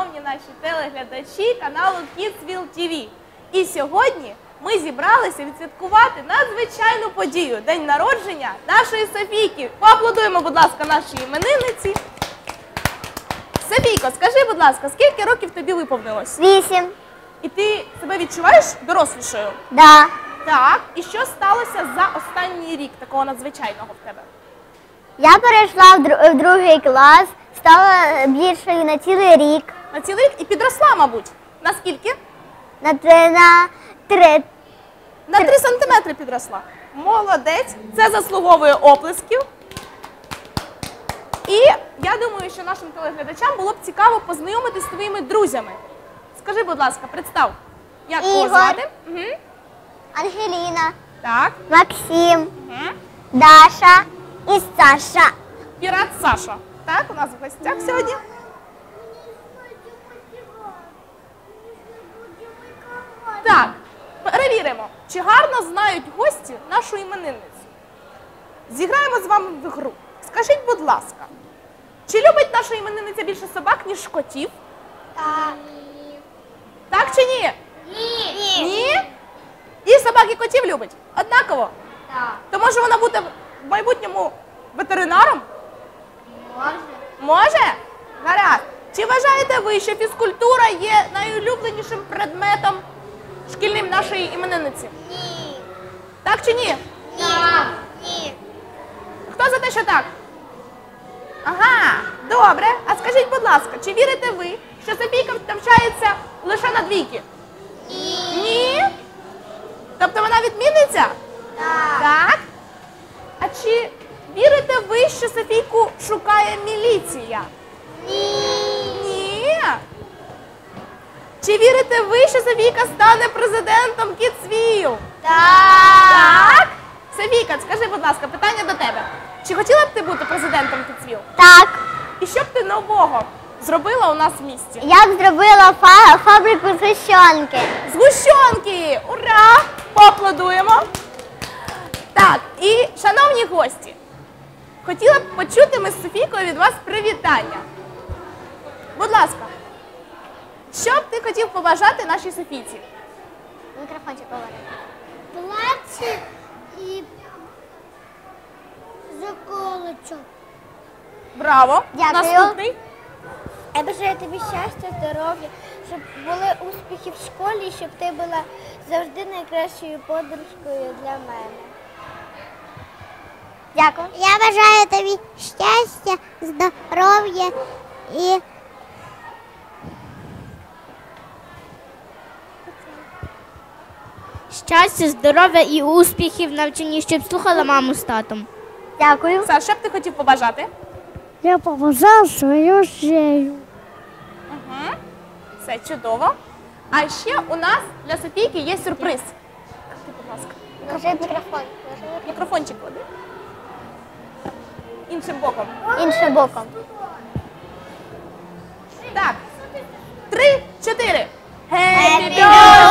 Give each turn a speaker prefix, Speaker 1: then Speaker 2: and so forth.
Speaker 1: шановні наші телеглядачі каналу Kidsville TV. І сьогодні ми зібралися відсвяткувати надзвичайну подію – день народження нашої Софійки. Поаплодуємо, будь ласка, нашій іменинниці. Софійко, скажи, будь ласка, скільки років тобі виповнилось?
Speaker 2: 8.
Speaker 1: І ти себе відчуваєш дорослішою?
Speaker 2: Да.
Speaker 1: Так. І що сталося за останній рік такого надзвичайного в тебе?
Speaker 2: Я перейшла в другий клас, стала більшою на цілий рік.
Speaker 1: На цілий рік? І підросла, мабуть. На скільки?
Speaker 2: На 3.
Speaker 1: На 3 сантиметри підросла. Молодець. Це заслуговує оплесків. І я думаю, що нашим телеглядачам було б цікаво познайомитись з твоїми друзями. Скажи, будь ласка, представ, як кого
Speaker 2: Ігор.
Speaker 1: звати?
Speaker 2: Ангеліна,
Speaker 1: Так.
Speaker 2: Максим,
Speaker 1: Угу.
Speaker 2: Даша і Саша.
Speaker 1: Пірат Саша. Так, у нас в гостях сьогодні. Так, перевіримо, чи гарно знають гості нашу іменинницю. Зіграємо з вами в гру. Скажіть, будь ласка, чи любить наша іменинниця більше собак, ніж котів?
Speaker 2: Так.
Speaker 1: Так чи ні?
Speaker 2: Ні.
Speaker 1: Ні? І собак, і котів любить? Однаково?
Speaker 2: Так.
Speaker 1: То може вона буде в майбутньому ветеринаром?
Speaker 2: Може.
Speaker 1: Може? Гаразд. Чи вважаєте ви, що фізкультура є найулюбленішим предметом шкільним нашої іменинниці?
Speaker 2: Ні.
Speaker 1: Так чи ні?
Speaker 2: Так. Ні.
Speaker 1: Хто за те, що так? Ага, добре. А скажіть, будь ласка, чи вірите ви, що Софійка навчається лише на двійки?
Speaker 2: Ні.
Speaker 1: Ні? Тобто вона відмінниця?
Speaker 2: Так.
Speaker 1: Так. А чи вірите ви, що Софійку шукає міліція?
Speaker 2: Ні.
Speaker 1: Ні. Чи вірите ви, що Софійка стане президентом Kidsville? Так. Софійка, скажи, будь ласка, питання до тебе. Чи хотіла б ти бути президентом Kidsville?
Speaker 2: Так.
Speaker 1: І що б ти нового зробила у нас в місті?
Speaker 2: Я б зробила фабрику згущенки.
Speaker 1: Згущенки! Ура! Поаплодуємо. Так, і, шановні гості, хотіла б почути ми з Софійкою від вас привітання. Будь ласка, що б ти хотів побажати нашій Софійці?
Speaker 2: Мікрофончик говорить. Плаче і заколочок.
Speaker 1: Браво!
Speaker 2: Дякую.
Speaker 1: Наступний.
Speaker 3: Я бажаю тобі щастя, здоров'я, щоб були успіхи в школі, і щоб ти була завжди найкращою подружкою для мене.
Speaker 2: Дякую.
Speaker 3: Я бажаю тобі щастя, здоров'я і
Speaker 4: Щастя, здоров'я і успіхів в навчанні, щоб слухала маму з татом.
Speaker 2: Дякую.
Speaker 1: Саш, що б ти хотів побажати?
Speaker 3: я побажав свою шею.
Speaker 1: Угу. Все чудово. А ще у нас для Софійки є сюрприз. Ти, будь ласка,
Speaker 2: Ложи мікрофон.
Speaker 1: мікрофончик клади. Іншим боком.
Speaker 2: Іншим боком.
Speaker 1: Так. 3, 4. Happy
Speaker 2: birthday